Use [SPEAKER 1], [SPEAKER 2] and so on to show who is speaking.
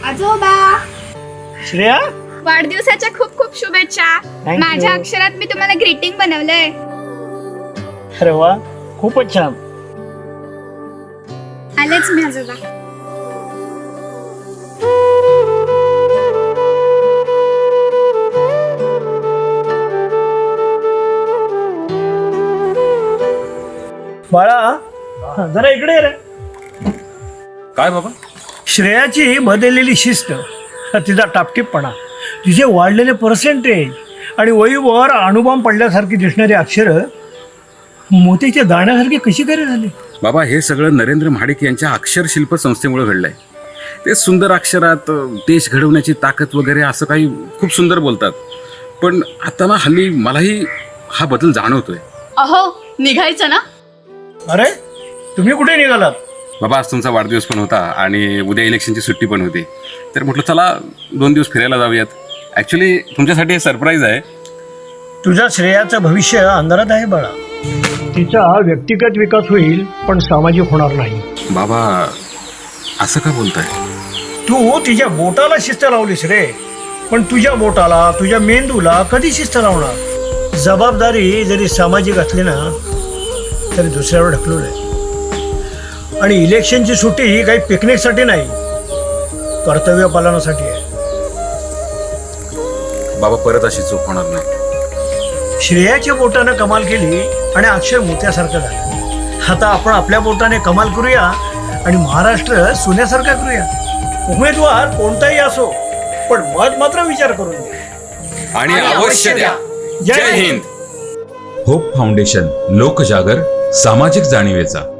[SPEAKER 1] आजोबा
[SPEAKER 2] श्रेया,
[SPEAKER 1] वाढदिवसाच्या खूप खूप शुभेच्छा.
[SPEAKER 2] you.
[SPEAKER 1] माझ्या अक्षरात मी तुम्हाला ग्रीटिंग बनवलंय.
[SPEAKER 2] अरे वा, खूपच छान.
[SPEAKER 1] आलेच मी आजोबा.
[SPEAKER 2] बाळा, जरा इकडे ये रे.
[SPEAKER 3] काय बाबा?
[SPEAKER 2] श्रेयाची बदललेली शिस्त, तिचा टापटीपणा, तिचे वाढलेले पर्सेंटेज आणि वहीवर अणुबॉम्ब पडल्यासारखी दिसणारी अक्षरं मोतीच्या दाण्यासारखी कशी काय झाली?
[SPEAKER 3] बाबा, हे सगळं नरेंद्र महाडिक यांच्या अक्षरशिल्प संस्थेमुळे घडलंय. ते सुंदर अक्षरात देश घडवण्याची ताकद वगैरे असं काही खूप सुंदर बोलतात. पण आता ना हल्ली मलाही हा बदल जाणवतोय.
[SPEAKER 4] अहो, निघायचं ना?
[SPEAKER 2] अरे, तुम्ही कुठे निघालात?
[SPEAKER 3] बाबा, आज तुमचा वाढदिवस पण होता आणि उद्या इलेक्शनची सुट्टी पण होती, तर म्हटलं चला 2 दिवस फिरायला जाऊयात. ॲक्च्युली तुमच्यासाठी हे सरप्राईज आहे.
[SPEAKER 2] तुझ्या श्रेयाचं भविष्य अंधारात आहे बाळा. तिचा व्यक्तिगत विकास होईल पण सामाजिक होणार नाही.
[SPEAKER 3] बाबा, असं का बोलताय?
[SPEAKER 2] तू तिच्या बोटाला शिस्त लावलीस रे, पण तुझ्या बोटाला, तुझ्या मेंदूला कधी शिस्त लावणार? जबाबदारी जरी सामाजिक असली ना तरी दुसऱ्यावर ढकलवलंय. आणि इलेक्शनची सुट्टी ही काही पिकनिकसाठी नाही, कर्तव्य पालनासाठी आहे.
[SPEAKER 3] बाबा, परत अशी चूक होणार नाही.
[SPEAKER 2] श्रेयाच्या बोटानं कमाल केली आणि अक्षर मोत्यासारखं झालं. आता आपण आपल्या बोटाने कमाल करूया आणि महाराष्ट्र सोन्यासारखा करूया. उमेदवार कोणताही असो, पण मत मात्र विचार करून द्या
[SPEAKER 3] आणि अवश्य द्या. जय हिंद.
[SPEAKER 5] होप फाउंडेशन, लोकजागर, सामाजिक जाणीवेचा.